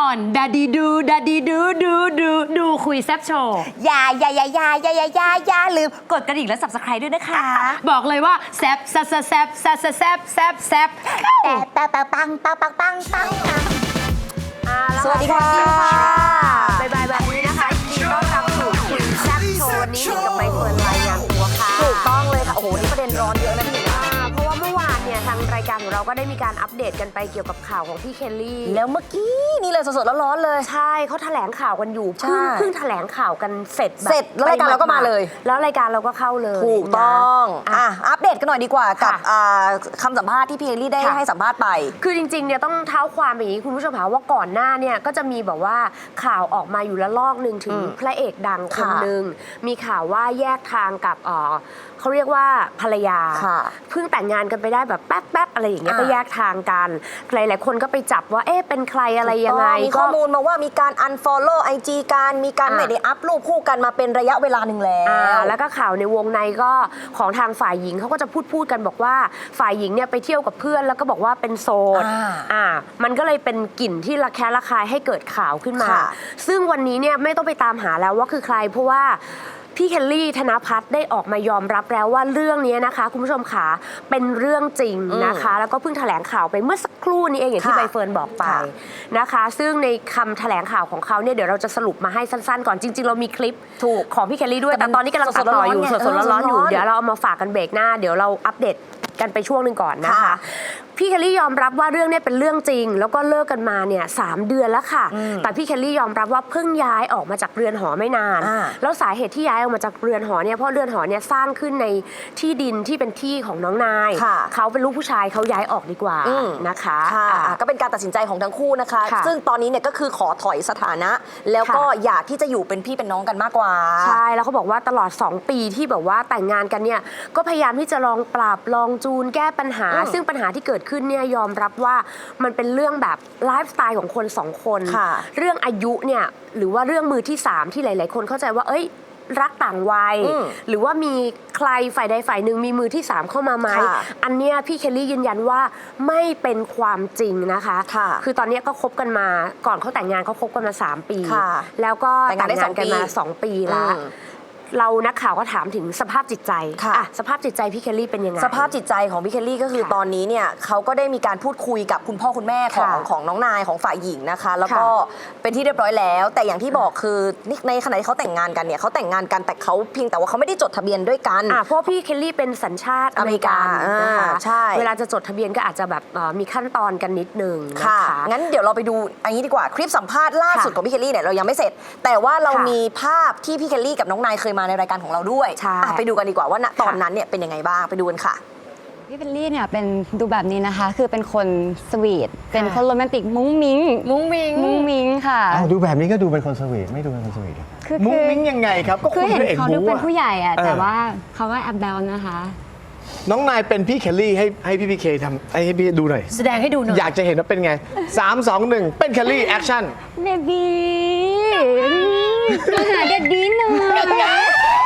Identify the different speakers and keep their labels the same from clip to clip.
Speaker 1: อนดาดีดูคุยแซบโชว์
Speaker 2: อย่าลืมกดกระดิ่งและ Subscribe ด้วยนะคะ
Speaker 1: บอกเลยว่าแซบ
Speaker 2: แต่ปังสวัสดีค่ะบ่ายแบบนี้นะคะยินดีต้อนรับสู่คุยแซบโชว์วันนี้หนิงกับใบเฟิร์นรายงานตัวค่ะถูกต้องเลยค่ะโอ้โหนี่ประเด็นร้อนเยอะนะพี่เพราะว่าเมื่อวานเนี่ยทางรายการของเราก็ได้มีการอัปเดตกันไปเกี่ยวกับข่าวของพี่เคลลี่แล้วเมื่อกี้นี่เลยสดๆร้อนๆเลยใช่เขาแถลงข่าวกันอยู่เพิ่งแถลงข่าวกันเสร็จแล้วรายการเราก็มาเลยแล้วรายการเราก็เข้าเลยถูกต้องอัปเดตกันหน่อยดีกว่ากับคำสัมภาษณ์ที่พี่เคลลี่ได้ให้สัมภาษณ์ไปคือจริงๆเนี่ยต้องเท้าความอย่างนี้คุณผู้ชมคะว่าก่อนหน้าเนี่ยก็จะมีแบบว่าข่าวออกมาอยู่ละลอกนึงถึงพระเอกดังคนนึงมีข่าวว่าแยกทางกับเขาเรียกว่าภรรยาเพิ่งแต่งงานกันไปได้แบบแป๊บๆอะไรอย่างเงี้ยก็แยกทางกันหลายๆคนก็ไปจับว่าเอ๊ะเป็นใครอะไรยังไงมีข้อมูลมาว่ามีการ unfollow IG กันมีการไม่ได้อัพรูปคู่กันมาเป็นระยะเวลาหนึ่งแล้วก็ข่าวในวงในก็ของทางฝ่ายหญิงเขาก็จะพูดกันบอกว่าฝ่ายหญิงเนี่ยไปเที่ยวกับเพื่อนแล้วก็บอกว่าเป็นโสดมันก็เลยเป็นกลิ่นที่ระแคะระคายให้เกิดข่าวขึ้นมาซึ่งวันนี้เนี่ยไม่ต้องไปตามหาแล้วว่าคือใครเพราะว่าพี่เคลลี่ธนภัทรได้ออกมายอมรับแล้วว่าเรื่องนี้นะคะคุณผู้ชมขาเป็นเรื่องจริงนะคะแล้วก็เพิ่งแถลงข่าวไปเมื่อสักครู่นี้เองอย่างที่ใบเฟิร์นบอกไปนะคะซึ่งในคำแถลงข่าวของเขาเนี่ยเดี๋ยวเราจะสรุปมาให้สั้นๆก่อนจริงๆเรามีคลิปของพี่เคลลี่ด้วยแต่ตอนนี้กำลังตัดต่ออยู่สดๆร้อนๆอยู่เดี๋ยวเราเอามาฝากกันเบรกหน้าเดี๋ยวเราอัปเดตกันไปช่วงหนึ่งก่อนนะคะพี่เคลลี่ยอมรับว่าเรื่องนี้เป็นเรื่องจริงแล้วก็เลิกกันมาเนี่ย3 เดือนแล้วค่ะแต่พี่เคลลี่ยอมรับว่าเพิ่งย้ายออกมาจากเรือนหอไม่นานแล้วสาเหตุที่ย้ายออกมาจากเรือนหอเนี่ยเพราะเรือนหอเนี่ยสร้างขึ้นในที่ดินที่เป็นที่ของน้องนายเขาเป็นลูกผู้ชายเขาย้ายออกดีกว่านะคะก็เป็นการตัดสินใจของทั้งคู่นะคะซึ่งตอนนี้เนี่ยก็คือขอถอยสถานะแล้วก็อยากที่จะอยู่เป็นพี่เป็นน้องกันมากกว่าใช่แล้วเขาบอกว่าตลอด2 ปีที่แบบว่าแต่งงานกันเนี่ยก็พยายามที่จะลองปรับลองจูนแก้ปัญหาซึ่งปัญหาที่เกิดขึ้นเนี่ยยอมรับว่ามันเป็นเรื่องแบบไลฟ์สไตล์ของคน2 คนเรื่องอายุเนี่ยหรือว่าเรื่องมือที่3ที่หลายๆคนเข้าใจว่าเอ้ยรักต่างวัยหรือว่ามีใครฝ่ายใดฝ่ายหนึ่งมีมือที่3เข้ามาไหมอันเนี้ยพี่เคลลี่ยืนยันว่าไม่เป็นความจริงนะคะคือตอนนี้ก็คบกันมาก่อนเขาแต่งงานเขาคบกันมา3 ปีแล้วก็แต่งงานกันมา2 ปีแล้วเรานักข่าวก็ถามถึงสภาพจิตใจสภาพจิตใจพี่เคลลี่เป็นยังไงสภาพจิตใจของพี่เคลลี่ก็คือตอนนี้เนี่ยเขาก็ได้มีการพูดคุยกับคุณพ่อคุณแม่ของน้องนายของฝ่ายหญิงนะคะแล้วก็เป็นที่เรียบร้อยแล้วแต่อย่างที่บอกคือในขณะที่เขาแต่งงานกันเนี่ยเขาแต่งงานกันแต่เขาเพียงแต่ว่าเขาไม่ได้จดทะเบียนด้วยกันเพราะพี่เคลลี่เป็นสัญชาติอเมริกันนะคะใช่เวลาจะจดทะเบียนก็อาจจะแบบมีขั้นตอนกันนิดนึงนะคะงั้นเดี๋ยวเราไปดูอันนี้ดีกว่าคลิปสัมภาษณ์ล่าสุดของพี่เคลลี่เนี่ยเรายังไม่เสร็จแต่ว่าเรามีภาพที่พี่เคลลี่กับน้องนายเคยมาในรายการของเราด้วยไปดูกันดีกว่าว่าตอนนั้นเนี่ยเป็นยังไงบ้างไปดูกันค่ะ
Speaker 3: พี่เคลลี่เนี่ยเป็นดูแบบนี้นะคะคือเป็นคนสวีทเป็นคนโรแมนติกมุ้งมิ้งค่ะ
Speaker 4: ดูแบบนี้ก็ดูเป็นคนสวีทไม่ดูเป็นคนสวีทมุ้งมิ้งยังไงครับก็
Speaker 3: คือเห็นเขาดูเป็นผู้ใหญ่อะแต่ว่าเขาว่าแอบแบลนะคะ
Speaker 4: น้องนายเป็นพี่เคลลี่ให้พี่พีเคทำให้พี่ดูหน่อย
Speaker 1: แสดงให้ดูหน่อย
Speaker 4: อยากจะเห็นว่าเป็นไง3 2 1เป็นเคลลี่แอคชั่น
Speaker 3: เบบี้มาหาเด็ดดีหน่อย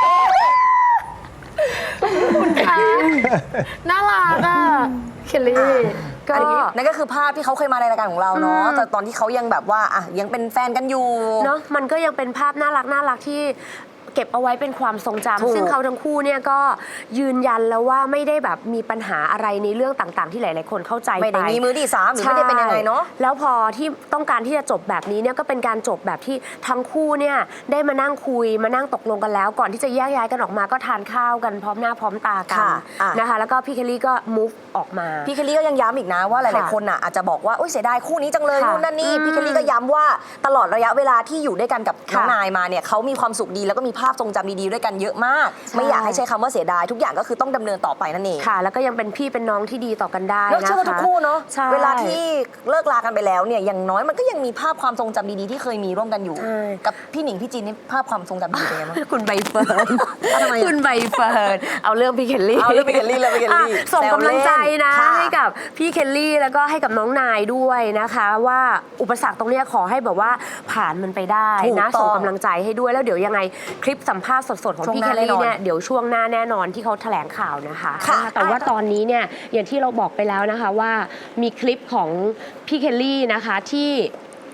Speaker 1: น่ารักอ่ะเคลลี่
Speaker 2: ก็นั่นก็คือภาพที่เขาเคยมาในรายการของเราเนาะแต่ตอนที่เขายังแบบว่ายังเป็นแฟนกันอยู่เนาะมันก็ยังเป็นภาพน่ารักที่เก็บเอาไว้เป็นความทรงจำซึ่งเขาทั้งคู่เนี่ยก็ยืนยันแล้วว่าไม่ได้แบบมีปัญหาอะไรในเรื่องต่างๆที่หลายๆคนเข้าใจไปไม่ได้มีมือที่3หรือไม่ได้เป็นยังไงเนาะแล้วพอที่ต้องการที่จะจบแบบนี้เนี่ยก็เป็นการจบแบบที่ทั้งคู่เนี่ยได้มานั่งคุยมานั่งตกลงกันแล้วก่อนที่จะแยกย้ายกันออกมาก็ทานข้าวกันพร้อมหน้าพร้อมตากันนะคะแล้วก็พี่เคลลี่ก็ move ออกมาพี่เคลลี่ก็ยังย้ำอีกนะว่าหลายๆคนอาจจะบอกว่าเสียดายคู่นี้จังเลยนู่นนั่นนี่พี่เคลลี่ก็ย้ำว่าตลอดระยะเวลาที่อยู่ด้วยกันกับน้องนายมาเนี่ยเขามีความสุขดีแล้วก็มีภาพทรงจำดีๆด้วยกันเยอะมากไม่อยากให้ใช้คำว่าเสียดายทุกอย่างก็คือต้องดำเนินต่อไปนั่นเองค่ะแล้วก็ยังเป็นพี่เป็นน้องที่ดีต่อกันได้นะคะเชื่อทุกคู่เนาะเวลาที่เลิกลากันไปแล้วเนี่ยอย่างน้อยมันก็ยังมีภาพความทรงจำดีๆที่เคยมีร่วมกันอยู่กับพี่หนิงพี่จีนนี่ภาพความทรงจำดีเป็นไงบ้างคุณใบเฟิร์นคุณใบเฟิร์นเอาเรื่องพี่เคลลี่ส่งกำลังใจนะให้กับพี่เคลลี่แล้วก็ให้กับน้องนายด้วยนะคะว่าอุปสรรคตรงนี้ขอให้แบบว่าผ่านมันไปได้นะส่งกำลังใจให้ด้วยแล้วเดี๋ยวยังไงคลิปสัมภาษณ์สดๆของพี่เคลลี่เนี่ยเดี๋ยวช่วงหน้าแน่นอนที่เขาแถลงข่าวนะคะแต่ว่าตอนนี้เนี่ยอย่างที่เราบอกไปแล้วนะคะว่ามีคลิปของพี่เคลลี่นะคะที่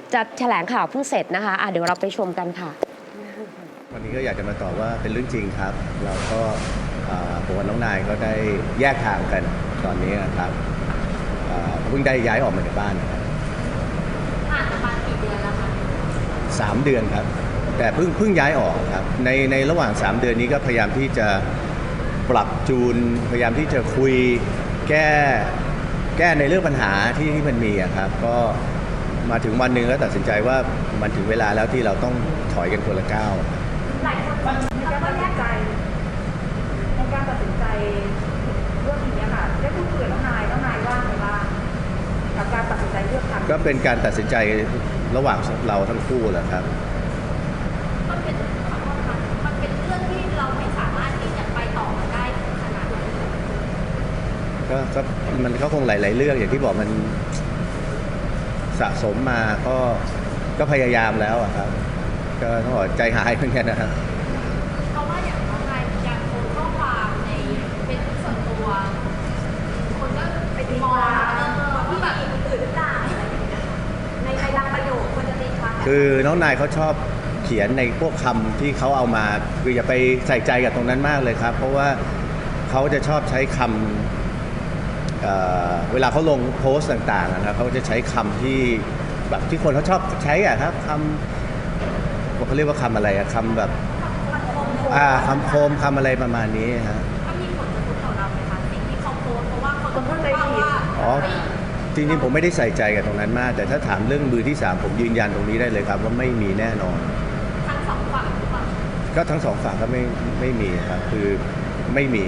Speaker 2: จะแถลงข่าวเพิ่งเสร็จนะคะเดี๋ยวเราไปชมกันค่ะ
Speaker 5: วันนี้ก็อยากจะมาตอบว่าเป็นเรื่องจริงครับเราก็ผมกับน้องนายก็ได้แยกทางกันตอนนี้นะครับเพิ่งได้ย้ายออกมาจากบ้านนะครับผ่านมากี่เดือนแล้วคะ3 เดือนครับแต่เพิ่งย้ายออกครับในระหว่าง3 เดือนนี้ก็พยายามที่จะปรับจูนพยายามที่จะคุยแก้ในเรื่องปัญหาที่มันมีครับก็มาถึงวันหนึ่งแล้วตัดสินใจว่ามันถึงเวลาแล้วที่เราต้องถอยกันคนละก้าว
Speaker 6: หลายคนมีการตัดสินใจในการตัดสินใจเรื่องนี้ค่ะได้พูดคุยกับน้องนายว่าไงบ้างกับการตัดสินใจเลือกทาง
Speaker 5: ก็เป็นการตัดสินใจระหว่างเราทั้งคู่แหละครับ
Speaker 6: มันเป็นเรื่องที่เราไม่สามารถที่จะไปต่อได้ขนาดนั้น
Speaker 5: ก็มันก็คงหลาย ๆ เรื่องอย่างที่บอกมันสะสมมาก็พยายามแล้วอะครับก็ต้องบอกใจหายเหมือนกันนะครับ
Speaker 6: เพราะว่าอย่างน้องนายมีการโพสต์ข้อความในเป็นส่วนตัวคนก็ไปมองที่แบบคนอื่นหรือเปล่าอะไรอย่างเงี้ยในบางประโยคคนจะตีความ
Speaker 5: คือน้องนายเขาชอบเขียนในพวกคำที่เขาเอามาคืออย่าไปใส่ใจกับตรงนั้นมากเลยครับเพราะว่าเขาจะชอบใช้คำเวลาเขาลงโพสต์ต่างๆนะครับเขาจะใช้คำที่แบบที่คนเขาชอบใช้อะครับคำเขาเรียกว่าคำอะไรอะคำแบบคำโคมคำอะไรประมาณนี้ฮะ
Speaker 6: ก็มีผลกระทบต่อเราไหมคะสิ่งที่เขาโพสต์เพราะว่าคนเข้าใจผิด
Speaker 5: อ๋อจริงๆผมไม่ได้ใส่ใจกับตรงนั้นมากแต่ถ้าถามเรื่องมือที่3ผมยืนยันตรงนี้ได้เลยครับว่าไม่มีแน่นอน
Speaker 6: ทั้ง2 ฝั่งหรือเปล่า
Speaker 5: ก็ทั้ง2 ฝั่งก็ไม่มีครับคือไม่มี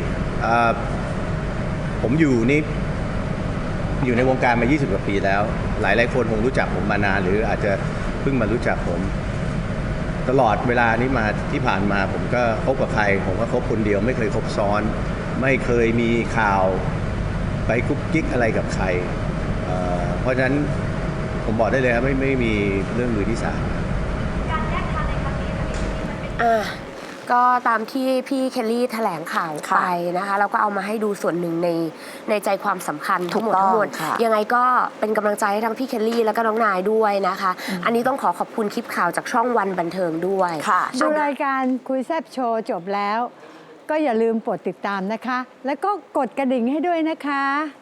Speaker 5: ผมอยู่ในวงการมา20 กว่าปีแล้วหลายคนคงรู้จักผมมานานหรืออาจจะเพิ่งมารู้จักผมตลอดเวลานี้มาที่ผ่านมาผมก็คบกับใครผมก็คบคนเดียวไม่เคยคบซ้อนไม่เคยมีข่าวไปกุ๊กกิ๊กอะไรกับใครเพราะฉะนั้นผมบอกได้เลยครับไม่มีเรื่องมือที่3
Speaker 6: การแยกทางในครั้งนี้มันเป็น
Speaker 2: ก็ตามที่พี่เคลลี่แถลงข่าวไปนะคะแล้วก็เอามาให้ดูส่วนหนึ่งในใจความสำคัญทั้งหมดยังไงก็เป็นกำลังใจให้ทั้งพี่เคลลี่แล้วก็น้องนายด้วยนะคะอันนี้ต้องขอบคุณคลิปข่าวจากช่องวันบันเทิงด้วย
Speaker 1: ดูรายการคุยแซบโชว์จบแล้วก็อย่าลืมกดติดตามนะคะแล้วก็กดกระดิ่งให้ด้วยนะคะ